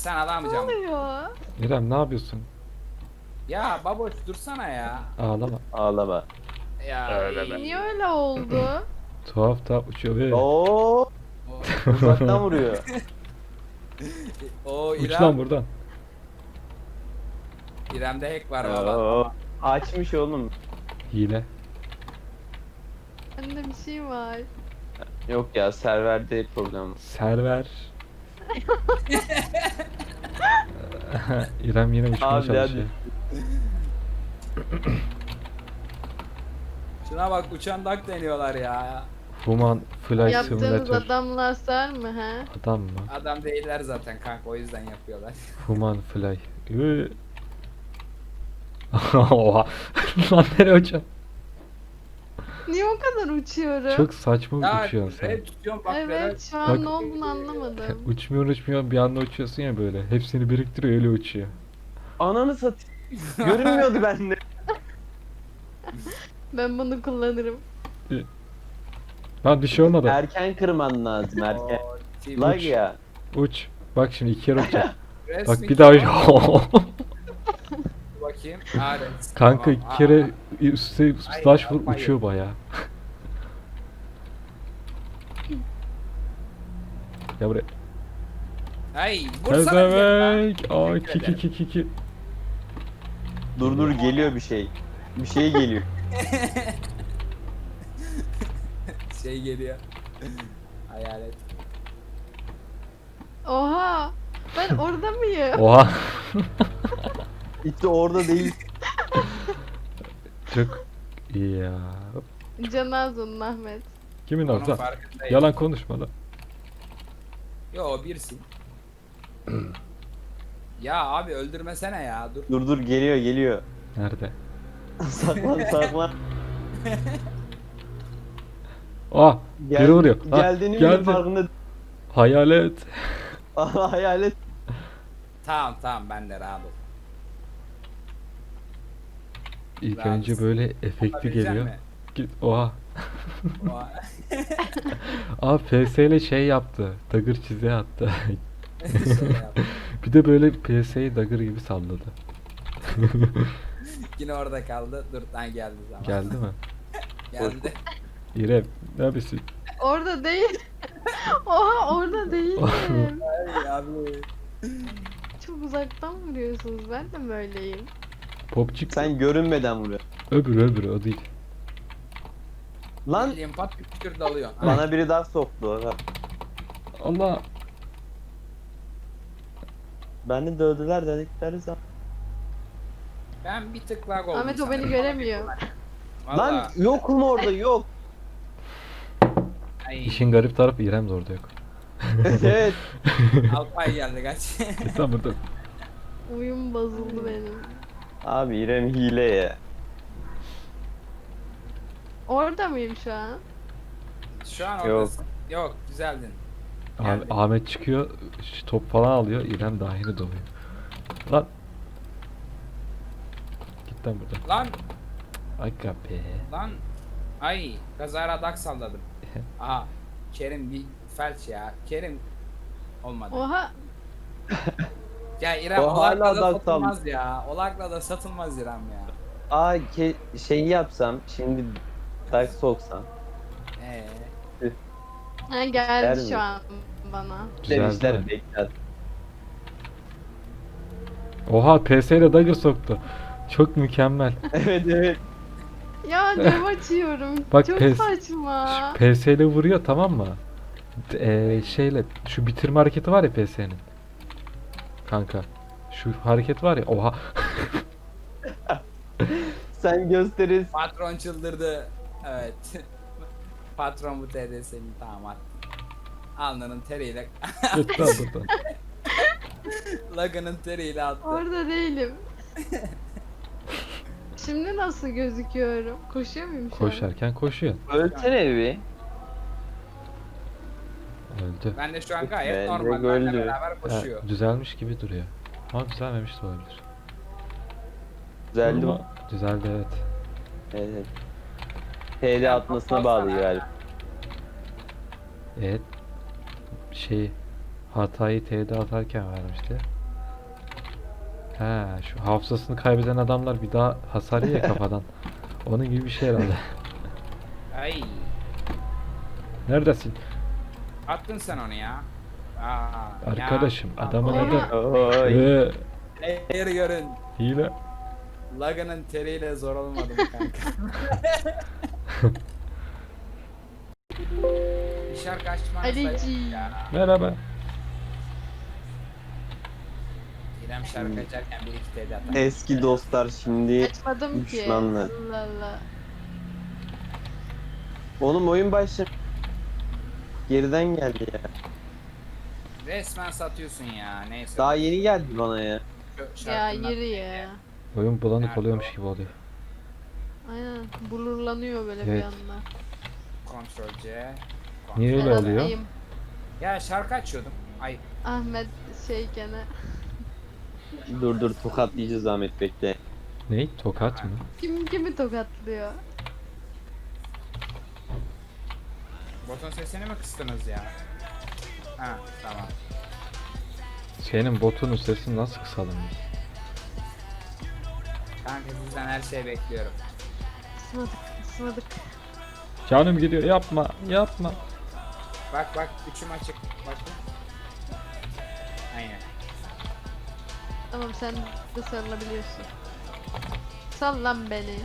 Sen Ne alamayacaksın. oluyor? İrem ne yapıyorsun? Ya baboş dursana ya. Ağlama. Ağlama. Ya Öyle be. Niye öyle oldu? Tuhaf tuhaf uçuyor ve Oo, O, uzaktan vuruyor. o uç lan buradan. İrem'de hack var valla. Oo, açmış oğlum. Hile. Bende bir şey var. Yok ya, serverde problem. Server. İrem yine uçmaya Abi, çalışıyor. Şuna bak uçan dak deniyorlar ya. Human Flight Yaptığınız Simulator. adamlar sar mı ha? Adam mı? Adam değiller zaten kanka o yüzden yapıyorlar. Human Fly. Oha. Lan nereye uçuyorsun? Niye o kadar uçuyorum? Çok saçma Ya uçuyorsun sen. red tutuyorum bak Evet şu an Bak- ne olduğunu anlamadım. Uçmuyor bir anda uçuyorsun ya böyle. Hepsini biriktiriyor öyle uçuyor. Ananı satayım. Görünmüyordu bende. Ben bunu kullanırım. Lan bir şey olmadı. Erken kırman lazım, erken. Oo, team Lag Uç. ya. Uç. Bak şimdi iki kere uçacak. resmi Bak bir daha uç. bakayım. Ha, red. Kanka Tamam, iki kere üstte Ay, slash vur yapma uçuyor baya. Ya buraya. Ay vursana bir Pezevenk. Aa Teşekkür ederim. ki. Dur geliyor bir şey. Bir şey geliyor. Şey geliyor. Hayalet. Oha! Ben orada mıyım? Oha. İşte orada değil. Çok iyi ya. Canazun Ahmet. Kimin Onun o lan? farkındayım. Yalan konuşma lan. Yo birsin. Ya abi öldürmesene ya dur. Dur geliyor. Nerede? Saklan. Ah! Biri vuruyor. Ha, Geldiğini geldi. bile farkında. Hayalet. Hayalet. Tamam ben de rahat ol. İlk Rahat önce mısın? böyle efektli Yapabilecek geliyor. mi? Git. Oha. O- Aa PS ile şey yaptı. Dagger çize attı. Şey yap. Bir de böyle PS'yi Dagger gibi salladı. Yine orada kaldı. Dur lan geldi zaman. Geldi mi? Geldi. İrem ne yapıyorsun? Orada değil. Oha orada değilim. Ay abi. Çok uzaktan vuruyorsunuz. Ben de böyleyim. Popçik. Sen görünmeden vuruyor. Öbürü o değil. Lan Bildiğin pat küçük dalıyor. bana biri daha soktu. Allah. Beni dövdüler dedikleri zaman. Ben bir tık lag oldum. Ahmet o beni sanırım. göremiyor. Vallahi. Lan yokum orada yok. Ay, İşin garip tarafı İrem de orada yok. Evet. Alpay geldi kaç. Tam burada. Uyum bozuldu benim. Abi İrem hile ya. Orada mıyım şu an? Şu an Yok. oradasın. Yok güzeldin. Geldi. Ahmet çıkıyor, top falan alıyor, İrem dahini doluyor. Lan. Git lan buradan. Lan Aga be. lan. Ay kazara dak salladım. Aha. Kerim bir felç ya. Kerim olmadı. Oha! Ya İrem O hala olakla da dak satılmaz ya. Olakla da satılmaz İrem ya. Aa şeyi yapsam şimdi tak soksam. Ha Der geldi mi? şu an bana. Güzeldi Demişler mi? bekler. Oha PS ile dagger soktu. Çok mükemmel. Evet. Ya cam açıyorum. Bak Çok pes- saçma. PS ile vuruyor tamam mı? Şeyle şu bitirme hareketi var ya PS'nin. Kanka. Şu hareket var ya. Oha. Sen gösterirsin. Patron çıldırdı. Evet. Patron bu TDS'nin tamam attı. Alnının teriyle Git lan buradan. lagının teriyle attı. Orada değilim. Şimdi nasıl gözüküyorum? Koşuyor muyum şu an? Koşarken koşuyor. Ölsene bir. Öldü. Ben de şu an gayet Bence normal. Benimle öldü. beraber Ha, koşuyor. düzelmiş gibi duruyor. Ama düzelmemiş de olabilir. Güzeldi mi? Ama düzeldi evet. Evet. TL atmasına bağlı galiba. Evet. Şey hatayı T'de atarken vermişti. He, şu hafızasını kaybeden adamlar bir daha hasar yiyor ya kafadan. Onun gibi bir şey herhalde. Ay. Neredesin? Attın sen onu ya. Aa, Arkadaşım, ya. adamın Aa. adı. Oy. Hayır görün. Hile. Lagan'ın teriyle zor olmadı mı kanka? Bir şarkı açmanız Alici. ya. Merhaba. İrem şarkı açarken bir iki TD atar. Eski dostlar şimdi Açmadım ki. düşmanlar. Allah Allah. Oğlum oyun başladı. Geriden geldi ya. Resmen satıyorsun ya. Neyse. Daha yeni geldi bana ya. Şu Ya şarkının yürü adı ya. neydi? Oyun bulanık Nerede oluyormuş o? gibi oluyor. Aynen. Blurlanıyor böyle bir Evet. anda. Ctrl C. Niye öyle Serhat oluyor? Bey'im, Ya şarkı açıyordum. Ay Ahmet şeyken Dur tokatlayacağız Ahmet bekle. Ney? Tokat mı? kim kimi tokatlıyor? botun sesini mi kıstınız ya? Ha tamam. Senin botunun sesini nasıl kısalım biz? Kanka sizden her şeyi bekliyorum. Ismadık. Canım gidiyor, yapma yapma. Bak üçüm açık. Bak. Aynen. Tamam sen de sarılabiliyorsun. Sal lan beni.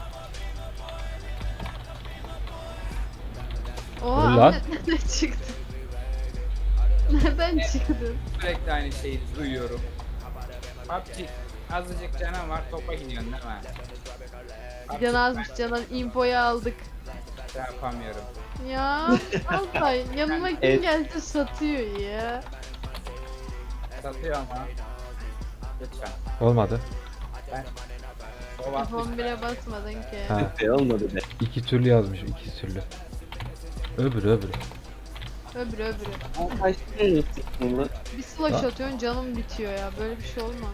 Oha Dur lan. Ahmet nereden çıktın? Nereden çıktın? Sürekli aynı şeyi duyuyorum. PUBG azıcık canım var topa gidiyorsun değil mi? PUBG, Can azmış Canan infoyu aldık. ben yapamıyorum. Ya Altay yanıma kim Evet. gelse satıyor ya. Satıyor ama. Lütfen. Olmadı. Ben o vakti F11'e basmadın ki. Ha, Şey olmadı be. iki türlü yazmış, iki türlü. Öbürü. Öbürü. Ama kaç tane sıktın lan? Bir slash atıyorsun canım bitiyor ya. Böyle bir şey olmaz.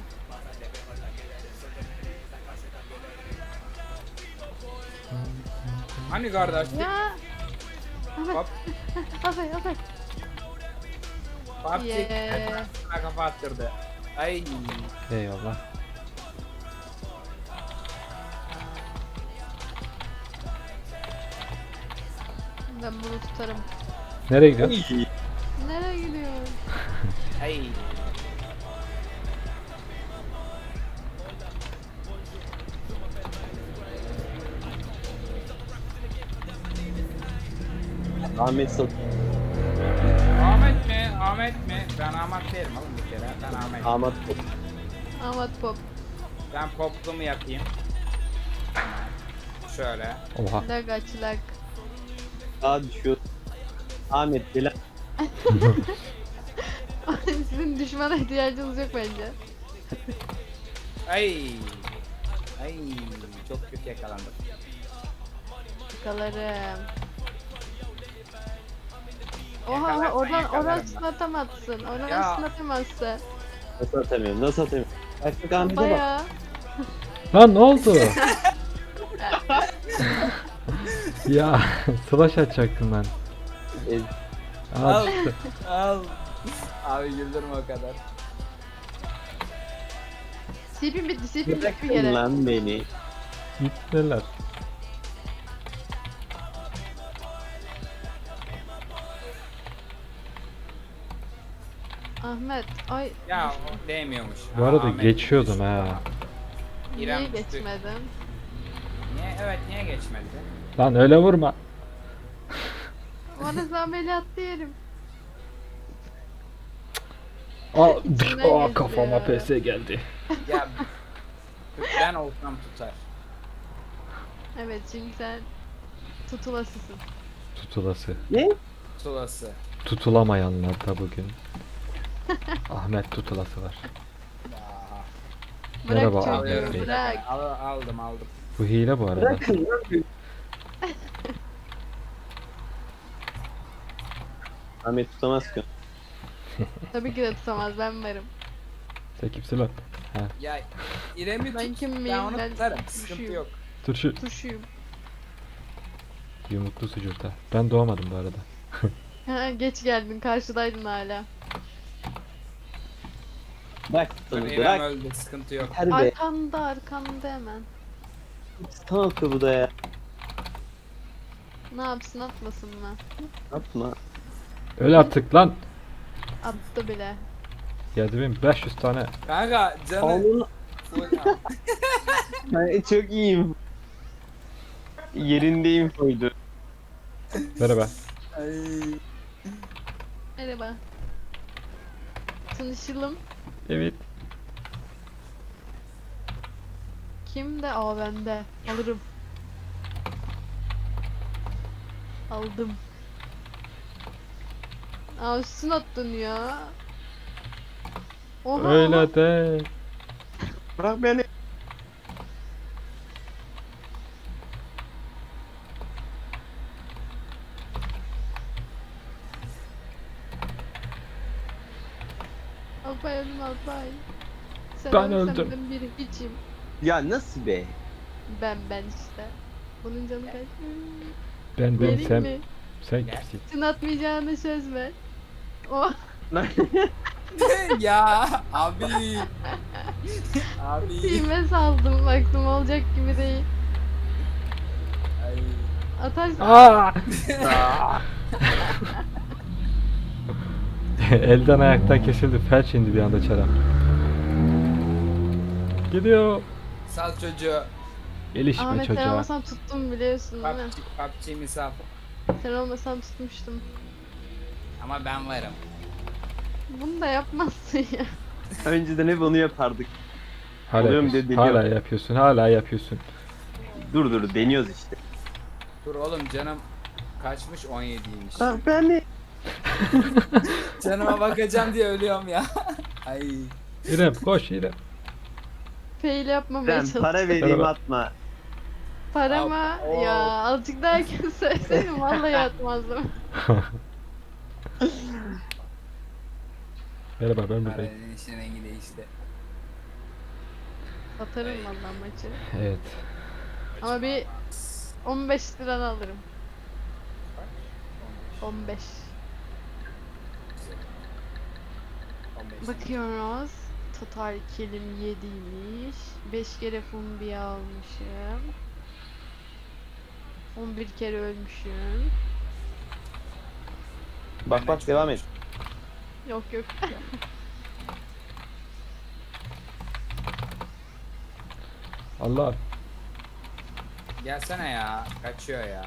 hani kardeş? Ya. Ahmet. Hop. Ahmet. PUBG Yeah. sana kafa attırdı. Ay. Eyvallah. Ben bunu tutarım. Nereye gidiyorsun? Nereye gidiyorsun? Ay. Ahmet sat. Ahmet mi? Ahmet mi? Ben Ahmet değilim oğlum bir kere. Ben Ahmet. Ahmet Ahmet Pop. Ben poplumu yapayım. Tamam. Şöyle. Oha. Lag aç lag. daha düşüyor. Ahmet bela. Sizin düşmana ihtiyacınız yok bence. Ay. Ay. Çok kötü yakalandım. Yakalarım. Oha Yakalarsan oradan yakalarım ben. atamazsın. Oradan Ya. atamazsın. Nasıl atamıyorum? Nasıl atamıyorum? Bak Ahmet'e bak. Baya. Lan ne oldu? Ya slash açacaktım ben. Aa, Al. çıktı. Al. Abi güldürme o kadar. Sipin bitti bir Bırakın kere. lan beni. Gittiler. Ahmet ay Ya o değmiyormuş. Bu Aa, arada Ahmet geçiyordum düştü. ha. İrem niye düştü. geçmedin? Niye? Evet niye geçmedi? Lan öyle vurma. Bana ameliyat yerim. Aa, İçinden aa geçti kafama ya. PS geldi. Ya ben olsam tutar. Evet çünkü sen tutulasısın. Tutulası. Ne? Tulası. Tutulamayanlar da bugün. Ahmet tutulası var. Aa, Bırak Merhaba, çocuğu Ahmet Bey. bırak. aldım. Bu hile bu arada. Bırakın lan beni. Ahmet tutamaz ki. Tabii ki de tutamaz ben varım. Sen kimsin lan? Ha, Ya İrem'i Ben tut. kim miyim? Ben onu Ben tutarım. Sıkıntı tuşuyum. yok. dur şu Tuşuyum. yumruklu sucukta. Ben doğamadım bu arada. Ha, geç geldin karşıdaydın hala. Bırak Dur, bunu İrem bırak. öldü, sıkıntı yok. Her be. Arkanda hemen. Stun atıyor bu da ya. Ne yapsın atmasın mı? Atma. Öl artık lan. Attı bile. 7500 tane. Kanka canı Oğlum full. ben çok iyiyim. Yerindeyim koydu. Merhaba. Ay. Merhaba. Tanışalım. Evet. Kimde? Aa bende. Alırım. Aldım. Aa üstüne attın ya. Oha. oha. Öyle de. Bırak beni. Alpay öldüm Alpay. Sen Ben ölsen öldüm. ben bir hiçim. Ya nasıl be? Ben işte. Bunun canı kaç? Ben Vereyim sen mi? sen kimsin? Sen atmayacağına söz ver. Oh. Ya abi. Abi. Team'e saldım. Baktım olacak gibi değil. Ay. Atarsın. Aa! Elden ayaktan kesildi. Felç indi bir anda çarap. Gidiyor. Sal çocuğu. Gelişme Ahmet sen çocuğa. olmasan tuttum biliyorsun değil mi? PUBG misal. Sen olmasan tutmuştum. Ama ben varım. Bunu da yapmazsın ya. Önceden hep onu yapardık. Hala Oluyorum yapıyorsun. dedi, Hala diyor. yapıyorsun. Hala yapıyorsun. Dur deniyoruz işte. Dur oğlum canım kaçmış 17'ymiş. Ah beni. Canıma bakacağım diye ölüyorum ya. Ay. İrem koş İrem. Fail yapmamaya Ben çalıştım. para vereyim Merhaba. atma. Para mı? Oo. Ya azıcık daha erken söyleseydim vallahi atmazdım. Merhaba ben buradayım. Paranın işine rengi değişti. Atarım vallahi maçı. Evet. Ama bir 15 liran alırım. 15. 15. Bakıyoruz. Total kelim 7'ymiş. 5 kere fumbi almışım. 11 kere ölmüşüm. Bak devam et. Yok yok. Allah. Gelsene ya. Kaçıyor ya.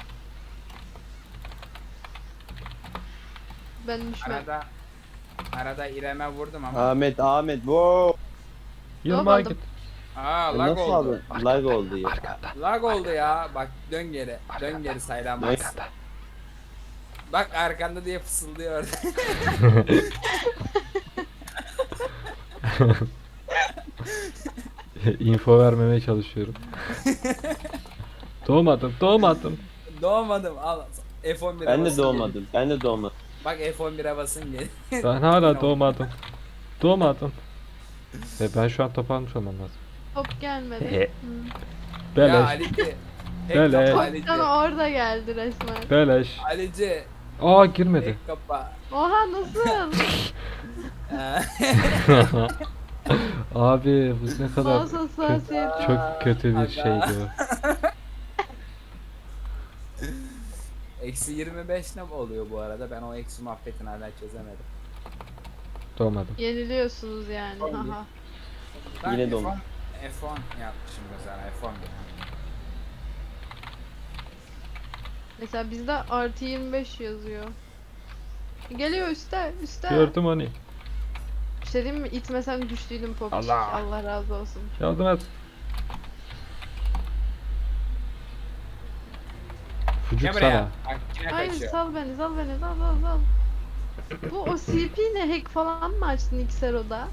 Ben düşmem. Arada İrem'e vurdum ama. Ahmet wow. Yılma aldım. git. Aa lag Nasıl oldu. aldın? Lag oldu ya. Lag oldu ya. Bak dön geri. Dön geri saylanmaz. Bak arkanda diye fısıldıyor orada. Info vermemeye çalışıyorum. Doğmadım. Doğmadım al. F11'e Ben de basın doğmadım. Ben de doğmadım. geri. Bak F11'e basın geri. Ben hala doğmadım. Ve ben şu an top almış olmam lazım. Top gelmedi. He. Hı. Ya Beleş. Alici. Beleş. Tek kapa Top Alici. sana orada geldi resmen. Beleş. Alici. Aa girmedi. Tek kapa. Oha nasıl? Abi bu ne kadar Mouse hassasiyeti. çok kötü bir şeydi o. Eksi 25 ne oluyor bu arada? Ben o eksi muhabbetini hala çözemedim. Doğmadım. Yeniliyorsunuz yani. Haha. Ben Yine F10 doğmadım. F10 yapmışım mesela F11. Mesela bizde artı 25 yazıyor. Geliyor üstte. Gördüm onu. Bir şey diyeyim mi? İtmesem düştüydüm popçik. Allah. Allah razı olsun. Yardım et. Fucuk Ne buraya? sana. Bak yine Hayır kaçıyor. sal beni sal. Bu o CP ne hack falan mı açtın Xero'da?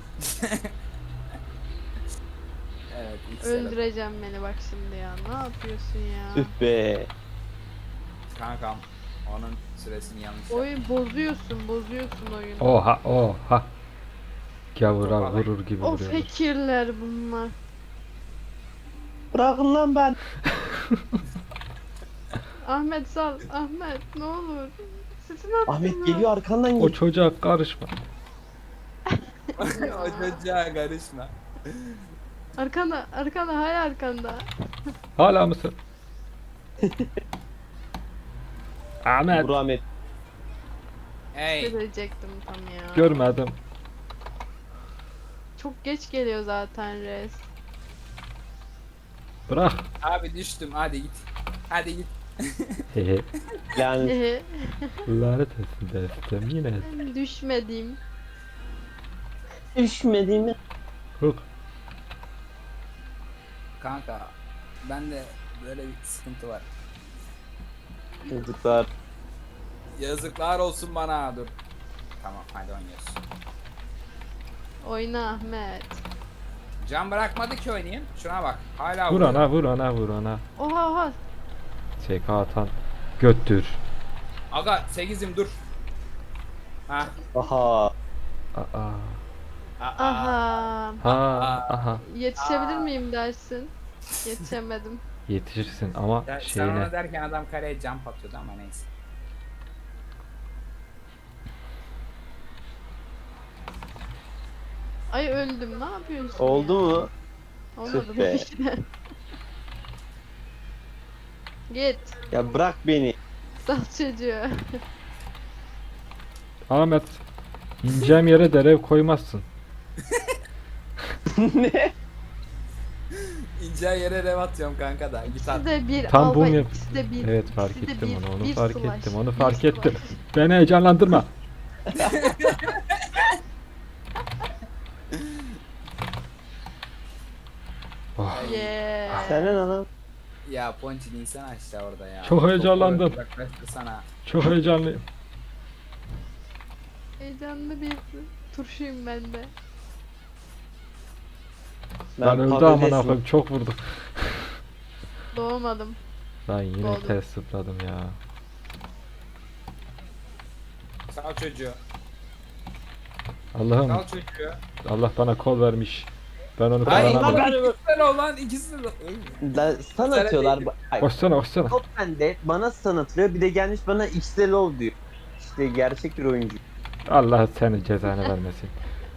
Evet ilk sıra. Öldüreceğim beni bak şimdi ya. Ne yapıyorsun ya? Üf be. Kankam onun süresini yanlış yaptım. Oyun bozuyorsun oyunu. Oha. Gavura Toparlan. vurur gibi O vuruyor. fakirler bunlar. Bırakın lan ben. Ahmet sal. Ahmet ne olur. Sesini attın Ahmet mı? geliyor arkandan O geliyor. çocuğa karışma. O çocuğa karışma. Arkanda, arkanda, hala arkanda. Hala mısın? Ahmet. Vur Ahmet. Hey. Söyleyecektim tam ya. Görmedim. Çok geç geliyor zaten res. Bırak. Abi düştüm, hadi git. Hadi git. Hehe. Yani Lanet etsin destem yine. Ben düşmedim. düşmedi mi? Huk. Kanka, bende böyle bir sıkıntı var. Çocuklar. Yazıklar olsun bana, dur. Tamam, hadi oynuyoruz. Oyna Ahmet. Can bırakmadı ki oynayayım. Şuna bak, hala Vur vuruyor. ona, vur ona, vur ona. Oha oha. SK atan. Göttür. Aga 8'im dur. Ha. Aha. Aa. Aha. Ha. Aha. Yetişebilir miyim dersin? Yetişemedim. Yetişirsin ama Sen şeyine. ona derken adam kaleye jump atıyordu ama neyse. Ay öldüm, ne yapıyorsun Oldu ya? mu? Olmadı Tüh be. tabii ki de. Git. Ya bırak beni. Sal çocuğu. Ahmet. İneceğim yere derev koymazsın. Ne? İnce yere rev atıyorum kanka da. Git at. İkisi de bir Tam albay, bunu yap- ikisi de bir. Evet, fark ikisi de ettim bir, onu, onu bir fark slash, ettim, onu bir fark slash. ettim. Beni heyecanlandırma. Oh, Yeah. Sen ne lan? Ya Ponçin insan aşağı orada ya. Çok heyecanlandım. Uzaklaştı sana. çok heyecanlıyım. Heyecanlı bir turşuyum ben de. Ben öldü patatesim. amına koyayım, çok vurdum. Doğmadım. Ben yine Oldu. ters zıpladım ya. Sal çocuğu. Allah'ım, Sal çocuğu. Allah bana kol vermiş. Ben onu Hayır kullanamadım. lan ikisi de olan ikisi de. Lan stun atıyorlar. Ay, Koşsana, koşsana. top bende bana stun atılıyor. Bir de gelmiş bana XLO diyor. İşte gerçek bir oyuncu. Allah seni cezanı vermesin.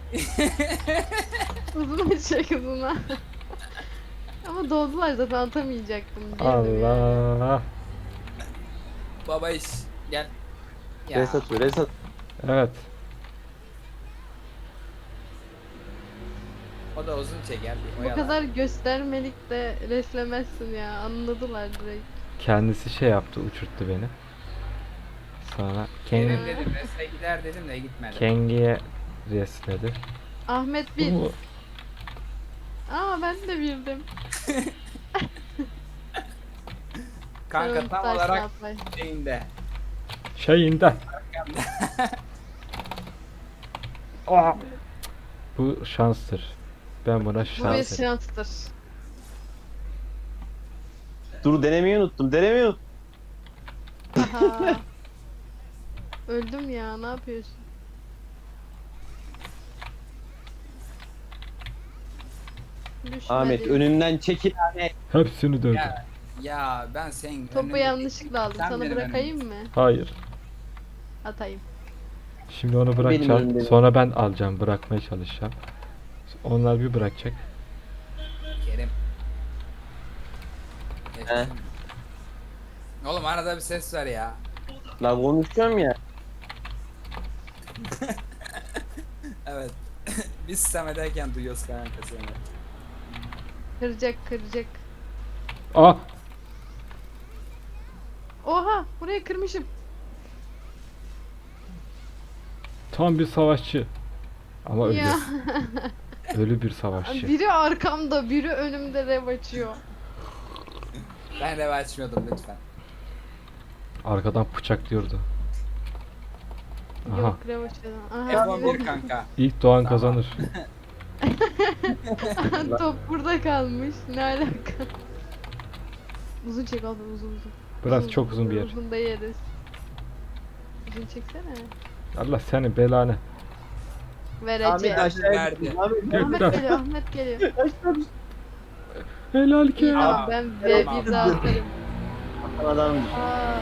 Uzun çek uzuna. Ama doldular zaten atamayacaktım. Girdim yani. Allah. Baba iş. Gel. Ya. Res atıyor, res atıyor. Evet. O da uzun çeker. Bir Bu oyalar. kadar göstermelik de reslemezsin ya. Anladılar direkt. Kendisi şey yaptı, uçurttu beni. Sonra Benim Kengi, dedim resle gider dedim de gitmedi. Kengi'ye resledi. Ahmet bir. Bu- Aa ben de bildim. Kanka Tamam, tam taş olarak yapay. şeyinde. Şeyinden. Aa! Bu şanstır. Ben buna Bu bir şans derim. şanstır. Dur denemeyi unuttum, denemeyi unuttum. Aha. Öldüm ya, ne yapıyorsun? Düşmedi. Ahmet önümden çekil Ahmet. Hepsini dövdüm. Ya ben senin Topu önünde- yanlışlıkla aldım. Sen Sana benim bırakayım mı? Hayır. Atayım. Şimdi onu Benim bırakacağım. elimde. Sonra ben alacağım. Bırakmaya çalışacağım. Onlar bir bırakacak. Kerim. He. Oğlum arada bir ses ver ya. La konuşuyorum ya. Evet. Biz Samet'eyken duyuyoruz kanka seni. Kıracak kıracak. Aa! Oha buraya kırmışım. Tam bir savaşçı. Ama ölü. Ya. Ölü bir savaşçı. Biri arkamda biri önümde rev açıyor. Ben rev açmıyordum lütfen. Arkadan bıçaklıyordu. Aha. Yok rev açıyor. Aha. F11 kanka. İlk doğan Tamam. kazanır. Top burada kalmış. Ne alaka? Uzun çek abi uzun uzun. Burası çok uzun bir yer. Uzun da yeriz. Uzun çeksene. Allah senin belanı. Vereceğim. Ahmet aşağıya Verdi. gittim. Ahmet Ahmet Gökten. geliyor, Ahmet geliyor. aşağı düştüm. Helal ki. İyi Aa, abi ben tamam. V1 atarım. Adam Aa,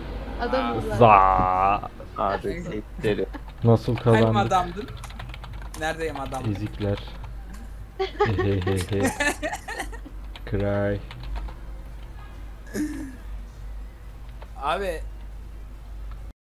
adam uzak. Za. abi sekleri. Nasıl Hangi kazandık? adamdın? Neredeyim adam? Ezikler. Hehehehe. Cry. Abi